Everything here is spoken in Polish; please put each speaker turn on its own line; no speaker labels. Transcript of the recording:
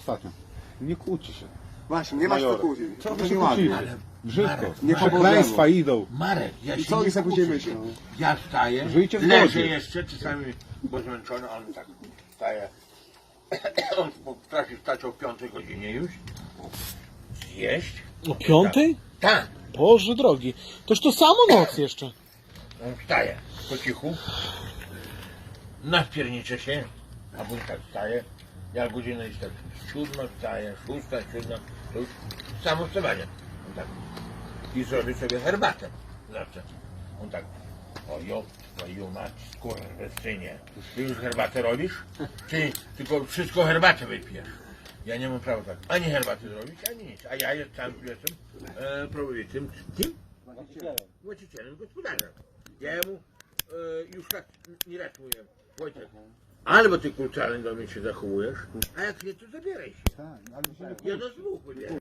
ostatnio. Nie kłóci się.
Właśnie, nie masz co kłócić.
Co wy się kłócicie?
Ale
Brzydko.
Marek,
nie
Przekleństwa idą.
Marek, ja
I
się
co
nie
oni sobie później
kłócę.
myślą?
Ja wstaję,
Żyjcie w
leżę
zgodzie.
jeszcze, czasami bo zmęczony, on tak wstaje. On potrafi wstać o 5 godzinie już, zjeść.
O 5?
Tak,
Boże drogi. Toż to samo noc jeszcze.
on wstaje po cichu, nawpiernicze się, a później tak wstaje. Jak godzina jest tak 7, wstaje, 6, 7, to już samo wstawanie. On tak. I zrobi sobie herbatę zawsze. On tak, o twoją mać, skurwysynie. Ty już herbatę robisz? Czy tylko wszystko herbatę wypijesz? Ja nie mam prawa tak ani herbaty zrobić, ani nic. A ja jestem prowadzącym, tym? Właścicielem, gospodarzem. Ja mu już tak nie raz mówię, Wojtek, albo ty kulturalnie do mnie się zachowujesz, a jak nie, to zabieraj się.
Tak, ale się nie
Ja do dwóch mówię.